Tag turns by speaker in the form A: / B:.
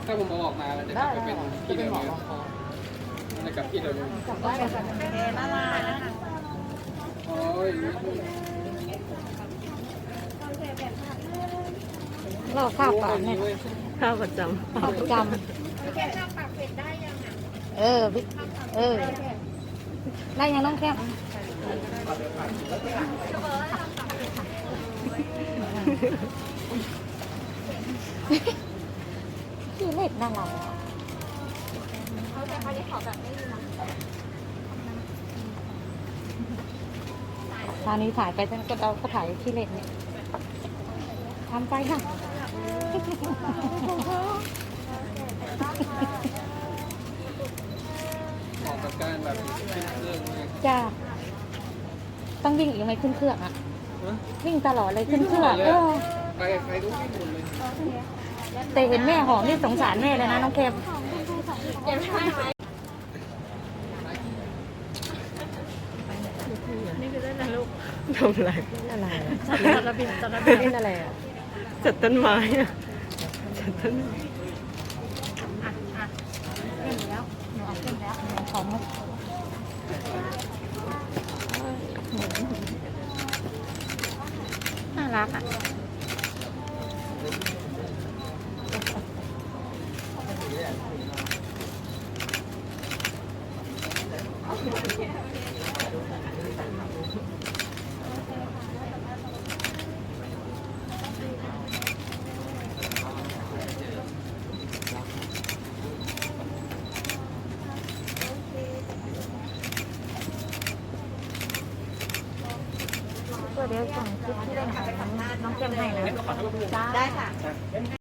A: ถ้าผมเอาออกมามันจะกลับไปเป็นที่เดิมเลยมันจะกลับที่เดิมเลยกลับได้เลยค่ะโอเคน่ารักโอ้ย
B: เราข้าวปากเนี่ย
C: ข้าวประจำ
B: ข้าวประจำพี่ได้ยังน้องแก้มพี่เล็กน่ารักตอนนี้ถ่ายไปก็เราก็ถ่ายที่เล็กเนี่ยทำไปค่ะ
A: เหมาะกับการแบบขึ้นเครื่องเลย
B: จ้าต้องวิ่งอีกไหมขึ้นเครื่องอ่ะวิ่งตลอดเลยขึ้นเครื่อง
A: ไปใครรู้ไม่หมดเลย
B: แต่เห็นแม่หอมนี่สงสารแม่เลยนะน้องเค็ม
C: นี่คือเล่นอะไรลูกทำอะไรอะไร
B: จัดระเบียบจัดระเบียบเล่นอะไรอ่ะ
C: จัดต้นไม้อะจัดต้นไม้
B: เล่นแล้วหนูเอาเล่นแล้วหนูของน่ารักอ่ะเดี๋ยวส่งคลิปที่เล่นของน้องเจมให้นะได้ค่ะ